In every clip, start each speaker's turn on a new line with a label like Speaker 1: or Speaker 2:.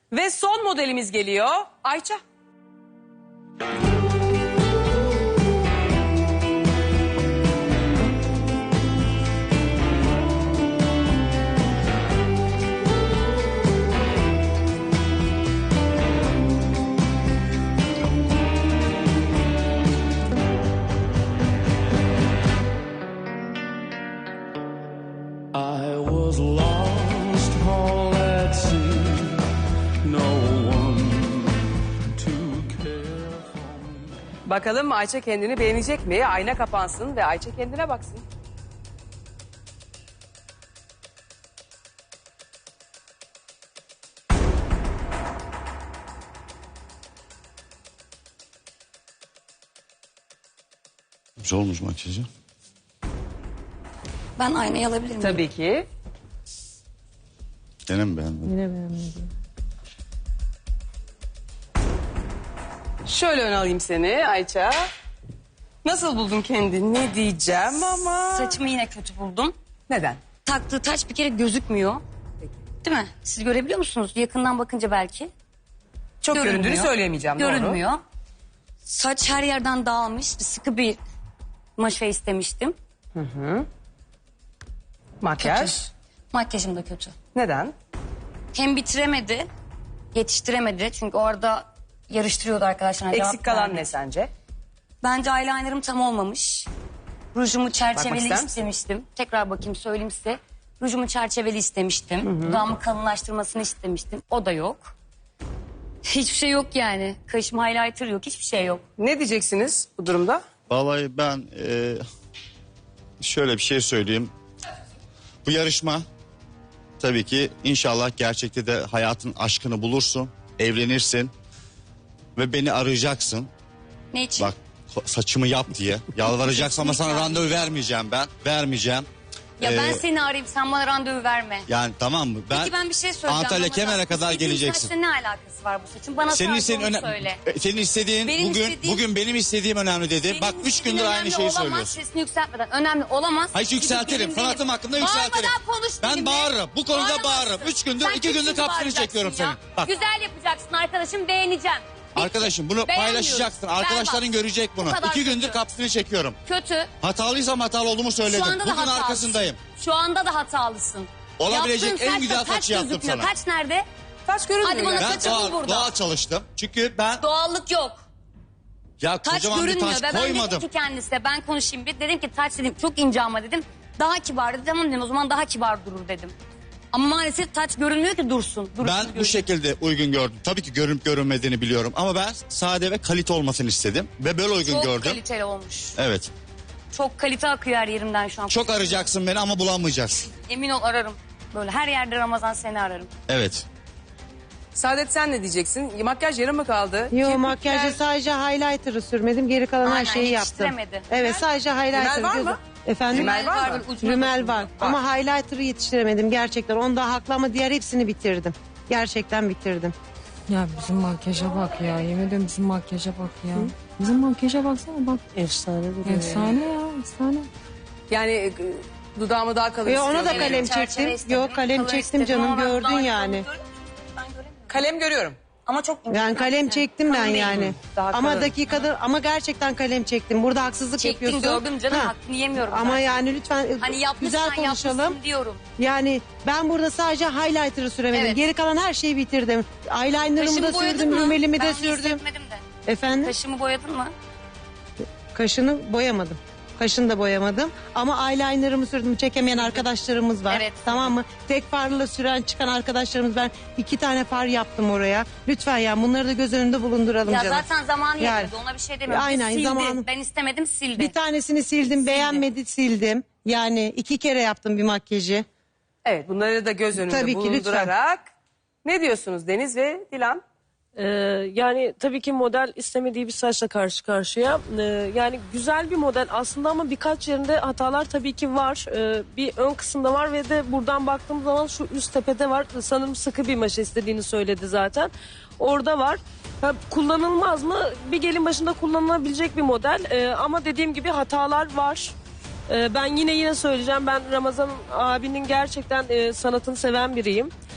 Speaker 1: Ve son modelimiz geliyor. Ayça.
Speaker 2: I was lost all at sea, no one to care for me.
Speaker 1: Bakalım Ayça kendini beğenecek mi? Ayna kapansın ve Ayça kendine baksın.
Speaker 3: Güzel olmuş makyajı.
Speaker 4: Ben aynayı alabilir miyim?
Speaker 1: Tabii ki.
Speaker 3: Gene mi beğendin?
Speaker 5: Yine beğenmedim.
Speaker 1: Şöyle ön alayım seni Ayça. Nasıl buldun kendini? Ne diyeceğim ama...
Speaker 4: Saçımı yine kötü buldum.
Speaker 1: Neden?
Speaker 4: Taktığı taç bir kere gözükmüyor. Değil mi? Siz görebiliyor musunuz? Yakından bakınca belki.
Speaker 1: Çok
Speaker 4: Görünmüyor.
Speaker 1: göründüğünü söyleyemeyeceğim. Doğru.
Speaker 4: Görünmüyor. Saç her yerden dağılmış. Sıkı bir maşa istemiştim.
Speaker 1: Makyaj.
Speaker 4: Kötü. Makyajım da kötü.
Speaker 1: Neden?
Speaker 4: Hem bitiremedi, yetiştiremedi. Çünkü orada yarıştırıyordu arkadaşlar.
Speaker 1: Eksik kalan ne sence?
Speaker 4: Bence eyelinerım tam olmamış. Rujumu çerçeveli
Speaker 1: ister misin?
Speaker 4: istemiştim. Tekrar bakayım söyleyeyim size. Rujumu çerçeveli istemiştim. Dudağımı kalınlaştırmasını istemiştim. O da yok. Hiçbir şey yok yani. Kaşım highlighter yok. Hiçbir şey yok.
Speaker 1: Ne diyeceksiniz bu durumda?
Speaker 3: Vallahi ben şöyle bir şey söyleyeyim. Bu yarışma tabii ki inşallah gerçekte de hayatın aşkını bulursun. Evlenirsin. Ve beni arayacaksın.
Speaker 4: Ne için?
Speaker 3: Bak saçımı yap diye. Yalvaracaksın ama sana
Speaker 4: Kesinlikle.
Speaker 3: randevu vermeyeceğim ben. Vermeyeceğim.
Speaker 4: Ya ben
Speaker 3: Ee,
Speaker 4: seni arayayım sen bana randevu verme.
Speaker 3: Yani tamam mı?
Speaker 4: Peki ben bir şey söyleyeceğim.
Speaker 3: Antalya
Speaker 4: Ramazan.
Speaker 3: Kemere kadar
Speaker 4: İstediğin
Speaker 3: geleceksin.
Speaker 4: saçla ne alakası var bu saçın? Bana
Speaker 3: Senin
Speaker 4: sadece
Speaker 3: istediğin
Speaker 4: onu söyle.
Speaker 3: senin istediğin
Speaker 4: Benim
Speaker 3: bugün
Speaker 4: istediğim-
Speaker 3: bugün benim istediğim önemli dedi.
Speaker 4: Benim
Speaker 3: Bak 3
Speaker 4: istediğim
Speaker 3: gündür aynı
Speaker 4: önemli
Speaker 3: şeyi
Speaker 4: olamaz,
Speaker 3: söylüyorsun.
Speaker 4: Sesini yükseltmeden önemli olamaz.
Speaker 3: Hayır
Speaker 4: Gidip
Speaker 3: yükseltirim.
Speaker 4: benim
Speaker 3: Sanatım
Speaker 4: benim.
Speaker 3: hakkında yükseltirim.
Speaker 4: Bağırmadan konuş
Speaker 3: Ben
Speaker 4: benimle.
Speaker 3: bağırırım. Bu konuda
Speaker 4: Bağıramazsın.
Speaker 3: bağırırım. 3 gündür,
Speaker 4: Sen
Speaker 3: 2 gündür
Speaker 4: kimsin
Speaker 3: kapsını
Speaker 4: bağıracaksın
Speaker 3: çekiyorum
Speaker 4: ya?
Speaker 3: senin. Bak
Speaker 4: Güzel yapacaksın arkadaşım, beğeneceğim. Bitti.
Speaker 3: arkadaşım bunu
Speaker 4: Beğenmiyorum.
Speaker 3: paylaşacaksın.
Speaker 4: Berbat.
Speaker 3: Arkadaşların görecek bunu.
Speaker 4: Bu kadar
Speaker 3: 2 gündür
Speaker 4: kötü.
Speaker 3: kapsını çekiyorum.
Speaker 4: Kötü.
Speaker 3: Hatalıysam hatalı olduğumu söyledim.
Speaker 4: Şu anda da
Speaker 3: Bugün
Speaker 4: hatalısın.
Speaker 3: arkasındayım.
Speaker 4: Şu anda da hatalısın.
Speaker 3: Olabilecek
Speaker 4: Yaptığın
Speaker 3: en
Speaker 4: saçla
Speaker 3: güzel
Speaker 4: taç
Speaker 3: saçı yaptım
Speaker 4: gözükmüyor.
Speaker 3: sana.
Speaker 4: Taç nerede?
Speaker 1: Saç görünmüyor.
Speaker 4: Hadi bana
Speaker 1: yani.
Speaker 3: Ben
Speaker 4: saçı bul burada.
Speaker 3: doğal çalıştım. Çünkü ben
Speaker 4: Doğallık yok.
Speaker 3: ya
Speaker 4: Taç
Speaker 3: kocaman bir
Speaker 4: görünmüyor.
Speaker 3: taş
Speaker 4: Ve ben
Speaker 3: koymadım.
Speaker 4: dedim ki kendisine ben konuşayım bir. Dedim ki taç dedim çok ince ama dedim. Daha kibar dedi. Tamam dedim o zaman daha kibar durur dedim. Ama maalesef taç görünmüyor ki dursun.
Speaker 3: Ben bu şekilde uygun gördüm. Tabii ki görünüp görünmediğini biliyorum. Ama ben sade ve kalite olmasını istedim. Ve böyle uygun
Speaker 4: Çok
Speaker 3: gördüm.
Speaker 4: kaliteli olmuş.
Speaker 3: Evet.
Speaker 4: Çok kalite akıyor her yerimden şu an.
Speaker 3: Çok arayacaksın beni ama bulamayacaksın.
Speaker 4: Emin ol ararım. Böyle her yerde Ramazan seni ararım.
Speaker 3: Evet.
Speaker 1: Saadet sen ne diyeceksin? Makyaj yarım mı kaldı?
Speaker 5: Yo
Speaker 1: Kirpikler-
Speaker 5: makyajda sadece highlighter'ı sürmedim. Geri kalan her
Speaker 4: Aynen,
Speaker 5: şeyi yaptım.
Speaker 4: yetiştiremedi.
Speaker 5: Evet sadece highlighter.
Speaker 1: Rümel var mı?
Speaker 5: Efendim?
Speaker 1: Rümel var mı?
Speaker 4: böyle ucuna
Speaker 5: Rümel
Speaker 4: dokundu.
Speaker 5: var. Ama highlighter'ı yetiştiremedim gerçekten. Onda haklı ama diğer hepsini bitirdim. Gerçekten bitirdim.
Speaker 6: Ya bizim makyaja bak ya. Yemin ediyorum bizim makyaja bak ya. Bizim makyaja baksana bak.
Speaker 5: Efsane duruyor.
Speaker 6: Efsane ya efsane.
Speaker 1: Yani dudağımı daha kalın
Speaker 5: Ona da
Speaker 1: istiyorum.
Speaker 5: kalem
Speaker 4: Çerçeve
Speaker 5: çektim.
Speaker 4: istedim,
Speaker 5: Yok kalem
Speaker 4: color
Speaker 5: çektim
Speaker 4: istedim
Speaker 5: canım
Speaker 4: ama ben
Speaker 5: gördün
Speaker 4: daha
Speaker 5: yani.
Speaker 4: göremiyorum. Ben göremiyorum.
Speaker 1: Kalem görüyorum.
Speaker 4: Ama çok ince.
Speaker 5: Yani kalem çektim ben
Speaker 4: Kalın değil.
Speaker 5: yani.
Speaker 1: Daha
Speaker 5: Ama
Speaker 1: kalın.
Speaker 5: dakikada ama gerçekten kalem çektim. Burada haksızlık
Speaker 4: Çektin
Speaker 5: yapıyorsun.
Speaker 4: gördüm canım
Speaker 5: Ha.
Speaker 4: hakkını yemiyorum.
Speaker 5: Ama
Speaker 4: zaten.
Speaker 5: yani lütfen
Speaker 4: Hani
Speaker 5: güzel
Speaker 4: yapmışsan
Speaker 5: konuşalım.
Speaker 4: yapmışsın diyorum.
Speaker 5: Yani ben burada sadece highlighter'ı süremedim.
Speaker 4: Evet.
Speaker 5: Geri kalan her şeyi bitirdim. Eyeliner'ımı
Speaker 4: Kaşımı
Speaker 5: da
Speaker 4: boyadın
Speaker 5: sürdüm,
Speaker 4: mı?
Speaker 5: rümelimi de
Speaker 4: Ben
Speaker 5: sürdüm.
Speaker 4: hissetmedim de.
Speaker 5: Efendim?
Speaker 4: Kaşımı boyadın mı?
Speaker 5: Kaşını boyamadım. Kaşını da boyamadım. Ama eyeliner'ımı sürdüm. Çekemeyen arkadaşlarımız var.
Speaker 4: Evet.
Speaker 5: Tamam mı? Tek farla süren çıkan arkadaşlarımız var. 2 tane far yaptım oraya. Lütfen ya bunları da göz önünde bulunduralım
Speaker 4: Ya
Speaker 5: canım.
Speaker 4: zaten zamanı
Speaker 5: Yani.
Speaker 4: yetmedi ona bir şey demiyorum.
Speaker 5: Aynen,
Speaker 4: Sildi.
Speaker 5: zamanı-
Speaker 4: Ben istemedim sildi.
Speaker 5: Bir tanesini sildim, beğenmedi sildim. Yani 2 kere yaptım bir makyajı.
Speaker 1: Evet bunları da göz önünde
Speaker 5: Tabii ki,
Speaker 1: bulundurarak. Ne diyorsunuz Deniz ve Dilan?
Speaker 7: Yani tabii ki model istemediği bir saçla karşı karşıya. Yani güzel bir model aslında ama birkaç yerinde hatalar tabii ki var. Bir ön kısımda var ve de buradan baktığım zaman şu üst tepede var. Sanırım sıkı bir maşa istediğini söyledi zaten. Orada var. Ha, kullanılmaz mı? Bir gelin başında kullanılabilecek bir model. Ama dediğim gibi hatalar var. Ben yine söyleyeceğim. Ben Ramazan abinin gerçekten sanatını seven biriyim.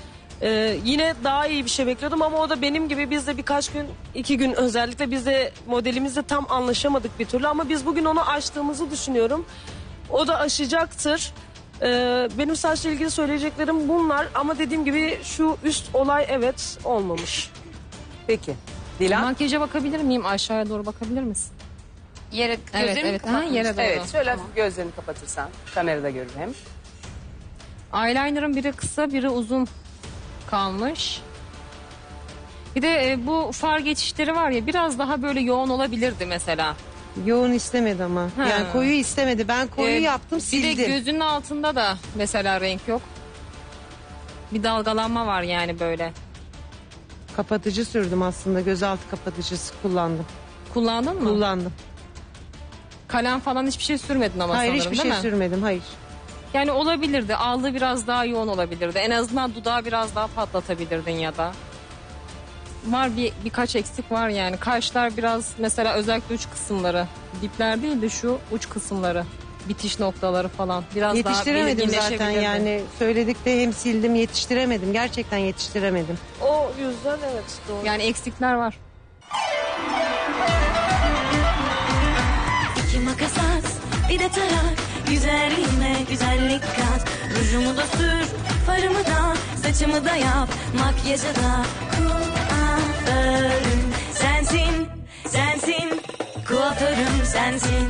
Speaker 7: Yine daha iyi bir şey bekliyordum ama o da benim gibi, biz de birkaç gün, 2 gün özellikle biz de modelimizle tam anlaşamadık bir türlü ama biz bugün onu aştığımızı düşünüyorum. O da aşacaktır. Benim saçla ilgili söyleyeceklerim bunlar ama dediğim gibi şu üst olay evet olmamış.
Speaker 1: Peki. Dilan?
Speaker 6: Makyaja bakabilir miyim? Aşağıya doğru bakabilir misin?
Speaker 4: Yere
Speaker 6: Evet,
Speaker 4: gözlerimi
Speaker 6: evet. Ha,
Speaker 4: kapatmış.
Speaker 6: yere doğru.
Speaker 1: Evet, şöyle hafif gözlerini kapatırsan kamerada görür hem.
Speaker 6: Eyeliner'ın biri kısa, biri uzun kalmış. Bir de bu far geçişleri var ya, biraz daha böyle yoğun olabilirdi mesela.
Speaker 5: Yoğun istemedi ama.
Speaker 6: Ha.
Speaker 5: Yani koyu istemedi. Ben koyu yaptım,
Speaker 6: Bir
Speaker 5: sildim.
Speaker 6: de gözünün altında da mesela renk yok. Bir dalgalanma var yani böyle.
Speaker 5: Kapatıcı sürdüm aslında. Gözaltı kapatıcısı kullandım.
Speaker 6: Kullandın mı?
Speaker 5: Kullandım.
Speaker 6: Kalem falan hiçbir şey sürmedin ama
Speaker 5: Hayır,
Speaker 6: sanırım,
Speaker 5: hiçbir
Speaker 6: değil
Speaker 5: şey
Speaker 6: mi?
Speaker 5: sürmedim. Hayır.
Speaker 6: Yani olabilirdi. Aldığı biraz daha yoğun olabilirdi. En azından dudağı biraz daha patlatabilirdin ya da. Var birkaç eksik var yani. Kaşlar biraz mesela, özellikle uç kısımları. Dipler değil de şu uç kısımları. Bitiş noktaları falan. Biraz
Speaker 5: Yetiştiremedim
Speaker 6: daha
Speaker 5: zaten yani. Söyledik de hem sildim, yetiştiremedim. Gerçekten yetiştiremedim.
Speaker 7: O yüzden evet doğru.
Speaker 6: Yani eksikler var.
Speaker 8: İki makas at, bir de tarak. Güzelliğime güzellik kat. Rujumu da sür, farımı da, saçımı da yap. Makyajı da kuaförüm sensin, sensin. Kuaförüm sensin.